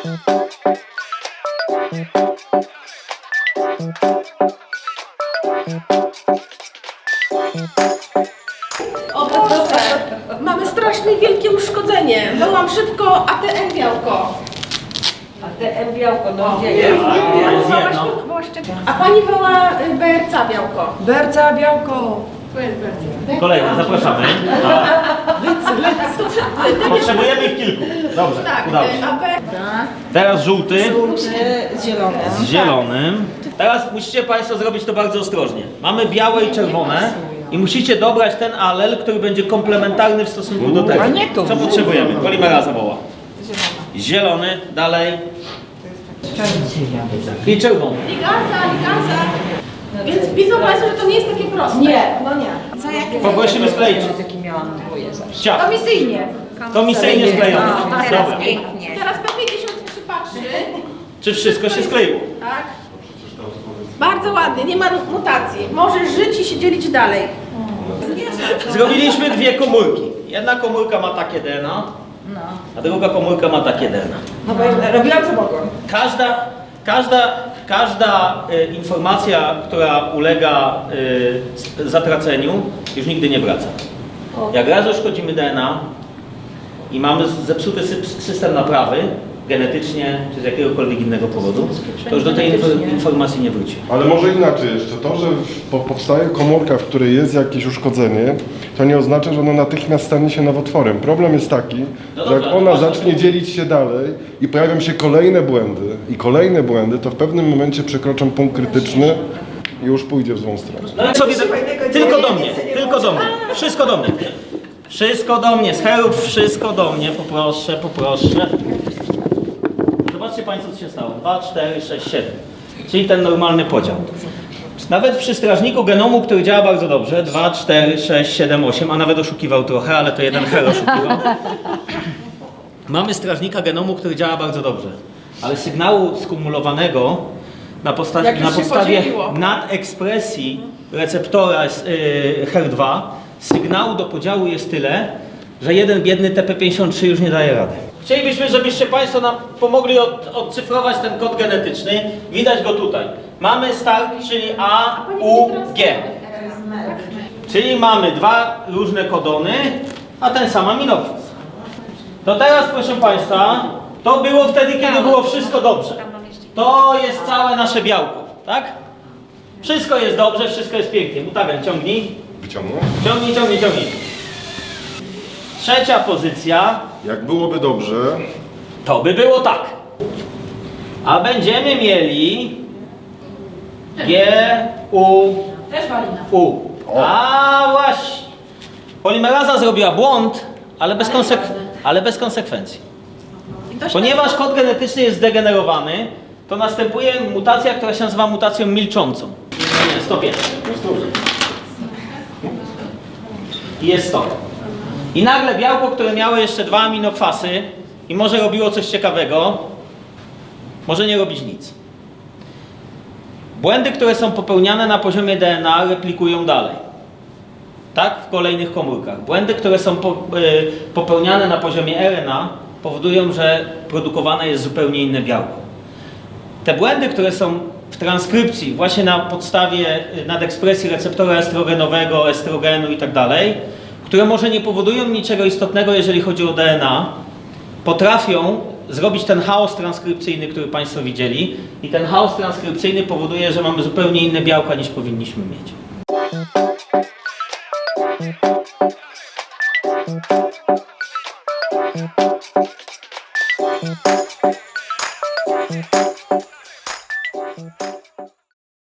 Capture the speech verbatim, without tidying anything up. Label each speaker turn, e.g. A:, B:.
A: O Boże, mamy strasznie wielkie uszkodzenie. Wołam szybko A T M białko.
B: A te M białko, no
A: O,
B: gdzie
A: nie,
B: jest?
A: nie, nie, wołaś, wołaś, a pani woła y, B R C A białko.
B: Berca białko.
C: Kolejny, zapraszamy.
A: Lecę, lecę.
C: Potrzebujemy ich kilku. Dobrze,
A: Tak,
C: udało
A: y,
C: się.
A: A B...
C: Teraz żółty
B: Z zielonym.
C: z zielonym. Teraz musicie Państwo zrobić to bardzo ostrożnie. Mamy białe i czerwone i musicie dobrać ten alel, który będzie komplementarny w stosunku do tego.
B: A nie tu.
C: Co potrzebujemy? Polimeraza woła. Zielony, dalej. I czerwony.
A: Liganza, liganza. Więc widzą Państwo, że to nie jest takie proste.
B: Nie, no nie. Co jakie?
C: Poprosimy skleić.
B: Taki miałam dwoje zawsze.
C: Ciach.
B: Komisyjnie.
C: Komisyjnie sklejone.
B: No, teraz
C: Dobra.
B: pięknie.
A: Teraz P pięćdziesiąt trzy patrzy.
C: Czy wszystko się skleiło?
A: Tak. Bardzo ładnie, nie ma mutacji. Możesz żyć i się dzielić dalej.
C: Zrobiliśmy dwie komórki. Jedna komórka ma takie D N A, a druga komórka ma takie D N A.
B: No bo robiłam co mogłam.
C: Każda, każda, każda y, informacja, która ulega y, zatraceniu, już nigdy nie wraca. Jak raz uszkodzimy D N A i mamy zepsuty sy- system naprawy, genetycznie czy z jakiegokolwiek innego powodu, to już do tej infor- informacji nie wróci.
D: Ale może inaczej jeszcze, to, że po- powstaje komórka, w której jest jakieś uszkodzenie, to nie oznacza, że ona natychmiast stanie się nowotworem. Problem jest taki,
C: No
D: że
C: dobra,
D: jak ona
C: no właśnie.
D: zacznie dzielić się dalej i pojawią się kolejne błędy i kolejne błędy, to w pewnym momencie przekroczą punkt krytyczny i już pójdzie w złą stronę.
C: No sobie tylko do mnie, tylko do mnie, wszystko do mnie. Wszystko do mnie, z herów wszystko do mnie, poproszę, poproszę. Zobaczcie Państwo, co się stało. dwa, cztery, sześć, siedem. Czyli ten normalny podział. Nawet przy strażniku genomu, który działa bardzo dobrze, dwa, cztery, sześć, siedem, osiem, a nawet oszukiwał trochę, ale to jeden her oszukiwał. Mamy strażnika genomu, który działa bardzo dobrze, ale sygnału skumulowanego na, posta-
A: Jak już
C: na
A: się
C: podstawie
A: podzieliło.
C: nadekspresji receptora z, yy, her dwa sygnału do podziału jest tyle, że jeden biedny T P pięćdziesiąt trzy już nie daje rady. Chcielibyśmy, żebyście Państwo nam pomogli od, odcyfrować ten kod genetyczny. Widać go tutaj. Mamy start, czyli A, U, G. Czyli mamy dwa różne kodony, a ten sam aminokwas. To teraz, proszę Państwa, to było wtedy, kiedy było wszystko dobrze. To jest całe nasze białko, tak? Wszystko jest dobrze, wszystko jest pięknie. Mutagen, ciągnij.
D: Wyciągnę?
C: Ciągnij, ciągnij, ciągnij. Trzecia pozycja,
D: Jak byłoby dobrze,
C: to by było tak. A będziemy mieli G, U,
A: Też walina.
C: U. A właśnie. Polimeraza zrobiła błąd, ale bez, konsek- ale bez konsekwencji.
A: I to się
C: Ponieważ kod genetyczny jest zdegenerowany, to następuje mutacja, która się nazywa mutacją milczącą. Nie, stop jest. I jest stop. I nagle białko, które miało jeszcze dwa aminokwasy i może robiło coś ciekawego, może nie robić nic. Błędy, które są popełniane na poziomie D N A, replikują dalej. Tak? W kolejnych komórkach. Błędy, które są po, y, popełniane na poziomie R N A, powodują, że produkowane jest zupełnie inne białko. Te błędy, które są w transkrypcji, właśnie na podstawie y, nadekspresji receptora estrogenowego, estrogenu i tak dalej, które może nie powodują niczego istotnego, jeżeli chodzi o D N A, potrafią zrobić ten chaos transkrypcyjny, który Państwo widzieli, i ten chaos transkrypcyjny powoduje, że mamy zupełnie inne białka, niż powinniśmy mieć.
E: Thank you.